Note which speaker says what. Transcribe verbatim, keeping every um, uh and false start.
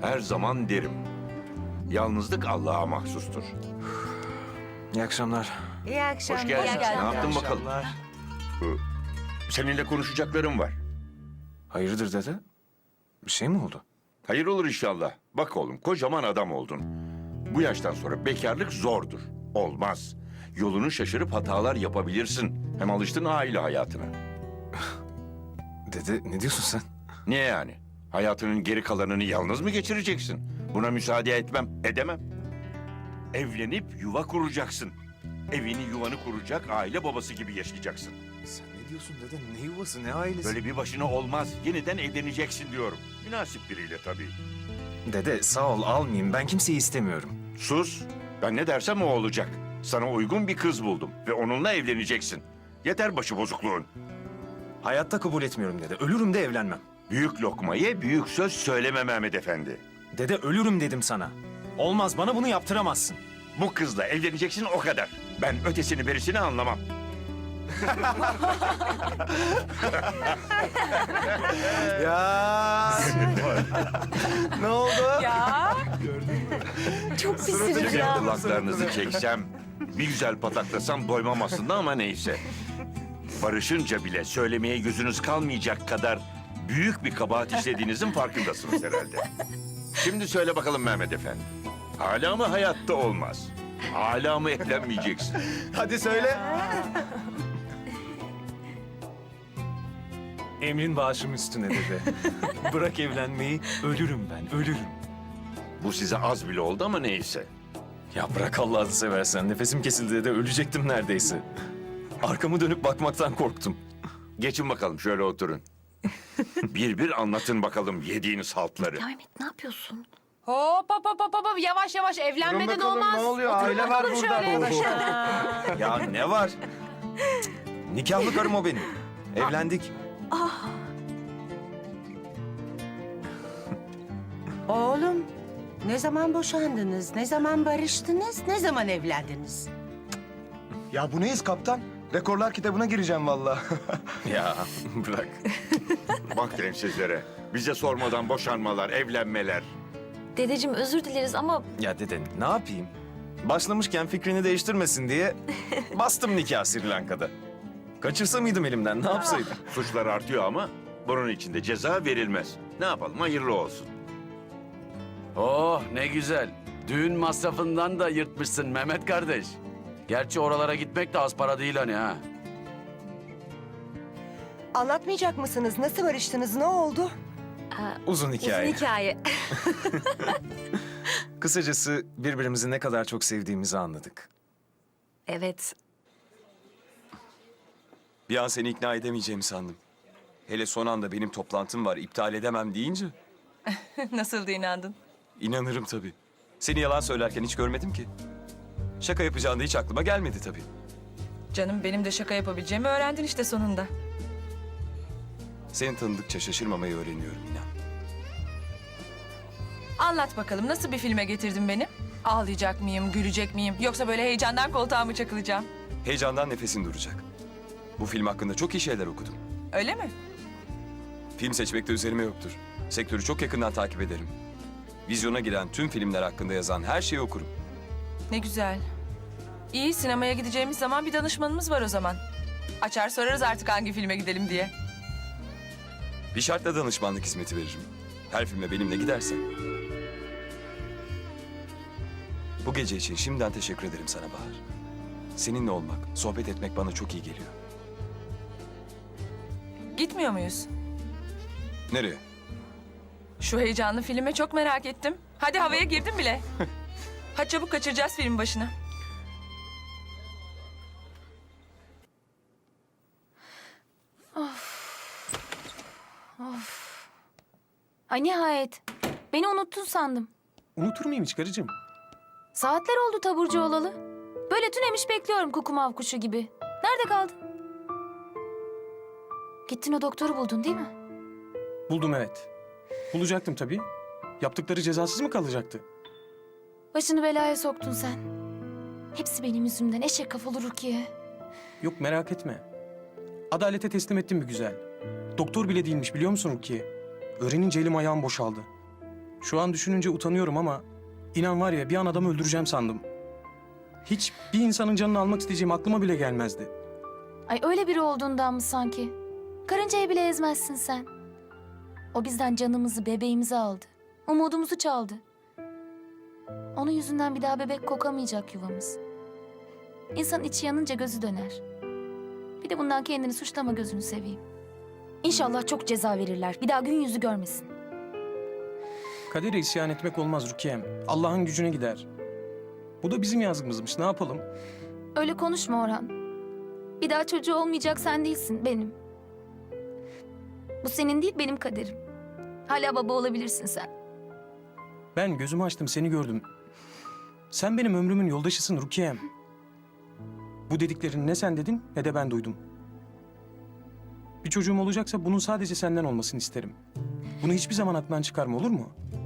Speaker 1: Her zaman derim. Yalnızlık Allah'a mahsustur.
Speaker 2: İyi akşamlar.
Speaker 3: İyi akşamlar.
Speaker 1: Hoş geldin.
Speaker 3: İyi
Speaker 1: Ne
Speaker 3: akşamlar.
Speaker 1: yaptın bakalım? Seninle konuşacaklarım var.
Speaker 2: Hayırdır dede? Bir şey mi oldu?
Speaker 1: Hayır olur inşallah. Bak oğlum, kocaman adam oldun. Bu yaştan sonra bekarlık zordur. Olmaz. Yolunu şaşırıp hatalar yapabilirsin. Hem alıştın aile hayatına.
Speaker 2: Dede ne diyorsun sen?
Speaker 1: Niye yani? Hayatının geri kalanını yalnız mı geçireceksin? Buna müsaade etmem, edemem. Evlenip yuva kuracaksın. Evini yuvanı kuracak, aile babası gibi yaşayacaksın.
Speaker 2: Sen ne diyorsun dede? Ne yuvası, ne ailesi?
Speaker 1: Böyle bir başına olmaz. Yeniden evleneceksin diyorum. Münasip biriyle tabii.
Speaker 2: Dede sağ ol almayayım. Ben kimseyi istemiyorum.
Speaker 1: Sus. Ben ne dersem o olacak. Sana uygun bir kız buldum ve onunla evleneceksin. Yeter başı bozukluğun.
Speaker 2: Hayatta kabul etmiyorum dede. Ölürüm de evlenmem.
Speaker 1: Büyük lokmayı büyük söz söyleme Mehmet Efendi.
Speaker 2: Dede ölürüm dedim sana. Olmaz, bana bunu yaptıramazsın.
Speaker 1: Bu kızla evleneceksin o kadar. Ben ötesini berisini anlamam.
Speaker 2: Ya. Ne oldu?
Speaker 3: Ya. Çok pisiniz
Speaker 1: Sizin
Speaker 3: ya.
Speaker 1: kulaklarınızı çeksem, bir güzel pataklasam doymam aslında ama neyse. Barışınca bile söylemeye yüzünüz kalmayacak kadar büyük bir kabahat işlediğinizin farkındasınız herhalde. Şimdi söyle bakalım Mehmet Efendi. Hala mı hayatta olmaz? Hala mı evlenmeyeceksin?
Speaker 2: Hadi söyle. Emrin bağışım üstüne dede. Bırak evlenmeyi, ölürüm ben, ölürüm.
Speaker 1: Bu size az bile oldu ama neyse.
Speaker 2: Ya bırak Allah'ını seversen. Nefesim kesildi dede, ölecektim neredeyse. Arkamı dönüp bakmaktan korktum.
Speaker 1: Geçin bakalım şöyle oturun. Bir bir anlatın bakalım yediğiniz haltları.
Speaker 4: Mehmet ne yapıyorsun?
Speaker 3: Hop hop hop hop hop. Yavaş yavaş evlenmeden olmaz.
Speaker 5: Ne oluyor?
Speaker 3: Oturun
Speaker 5: Aile var
Speaker 3: bakalım
Speaker 5: burada.
Speaker 3: şöyle.
Speaker 2: Ya ne var? Cık, nikahlı karım o benim. Evlendik.
Speaker 3: Oğlum, ne zaman boşandınız? Ne zaman barıştınız? Ne zaman evlendiniz?
Speaker 5: Ya bu neyiz kaptan? Rekorlar kitabına gireceğim vallahi.
Speaker 2: Ya bırak.
Speaker 1: Bak densizlere. Bize sormadan boşanmalar, evlenmeler.
Speaker 4: Dedeciğim özür dileriz ama
Speaker 2: Ya dede ne yapayım? Başlamışken fikrini değiştirmesin diye bastım nikah Sri Lanka'da. Kaçırsa mıydım elimden, ne yapsaydım?
Speaker 1: Suçlar artıyor ama bunun için de ceza verilmez. Ne yapalım, hayırlı olsun.
Speaker 6: Oh ne güzel. Düğün masrafından da yırtmışsın Mehmet kardeş. Gerçi oralara gitmek de az para değil hani ha.
Speaker 7: Anlatmayacak mısınız? Nasıl barıştınız? Ne oldu?
Speaker 2: Uzun hikaye.
Speaker 4: uzun hikaye.
Speaker 2: Kısacası birbirimizi ne kadar çok sevdiğimizi anladık.
Speaker 4: Evet.
Speaker 2: Bir an seni ikna edemeyeceğimi sandım. Hele son anda benim toplantım var, iptal edemem deyince
Speaker 7: Nasıl da inandın?
Speaker 2: inanırım tabii. Seni yalan söylerken hiç görmedim ki. Şaka yapacağın da hiç aklıma gelmedi tabii.
Speaker 7: Canım benim de şaka yapabileceğimi öğrendin işte sonunda.
Speaker 2: Seni tanıdıkça şaşırmamayı öğreniyorum inan.
Speaker 7: Anlat bakalım nasıl bir filme getirdin beni? Ağlayacak mıyım, gülecek miyim? Yoksa böyle heyecandan koltuğa mı çakılacağım?
Speaker 2: Heyecandan nefesin duracak. Bu film hakkında çok iyi şeyler okudum.
Speaker 7: Öyle mi?
Speaker 2: Film seçmekte üzerime yoktur. Sektörü çok yakından takip ederim. Vizyona giren tüm filmler hakkında yazan her şeyi okurum.
Speaker 7: Ne güzel. İyi, sinemaya gideceğimiz zaman bir danışmanımız var o zaman. Açar sorarız artık hangi filme gidelim diye.
Speaker 2: Bir şartla danışmanlık hizmeti veririm. Her filme benimle gidersen. Bu gece için şimdiden teşekkür ederim sana Bahar. Seninle olmak, sohbet etmek bana çok iyi geliyor.
Speaker 7: Gitmiyor muyuz?
Speaker 2: Nereye?
Speaker 7: Şu heyecanlı filme çok merak ettim. Hadi havaya girdim bile. Hadi çabuk kaçıracağız film başına.
Speaker 4: Ay nihayet. Beni unuttun sandım.
Speaker 5: Unutur muyum hiç karıcığım?
Speaker 4: Saatler oldu taburcu olalı. Böyle tünemiş bekliyorum kukumav kuşu gibi. Nerede kaldın? Gittin o doktoru buldun değil mi?
Speaker 5: Buldum evet. Bulacaktım tabii. Yaptıkları cezasız mı kalacaktı?
Speaker 4: Başını belaya soktun sen. Hepsi benim yüzümden eşek kafalı Rukiye.
Speaker 5: Yok merak etme. Adalete teslim ettim bir güzel. Doktor bile değilmiş biliyor musun Rukiye? Öğrenince elim ayağım boşaldı. Şu an düşününce utanıyorum ama inan var ya bir an adamı öldüreceğim sandım. Hiç bir insanın canını almak isteyeceğim aklıma bile gelmezdi.
Speaker 4: Ay öyle biri olduğundan mı sanki? Karıncayı bile ezmezsin sen. O bizden canımızı, bebeğimizi aldı. Umudumuzu çaldı. Onun yüzünden bir daha bebek kokamayacak yuvamız. İnsanın içi yanınca gözü döner. Bir de bundan kendini suçlama, gözünü seveyim. İnşallah çok ceza verirler. Bir daha gün yüzü görmesin.
Speaker 5: Kadere isyan etmek olmaz Rukiye'm. Allah'ın gücüne gider. Bu da bizim yazgımızmış. Ne yapalım?
Speaker 4: Öyle konuşma Orhan. Bir daha çocuğu olmayacak, sen değilsin, benim. Bu senin değil, benim kaderim. Hala baba olabilirsin sen.
Speaker 5: Ben gözümü açtım, seni gördüm. Sen benim ömrümün yoldaşısın Rukiye'm. Bu dediklerini ne sen dedin ne de ben duydum. Bir çocuğum olacaksa bunun sadece senden olmasını isterim. Bunu hiçbir zaman aklından çıkarma, olur mu?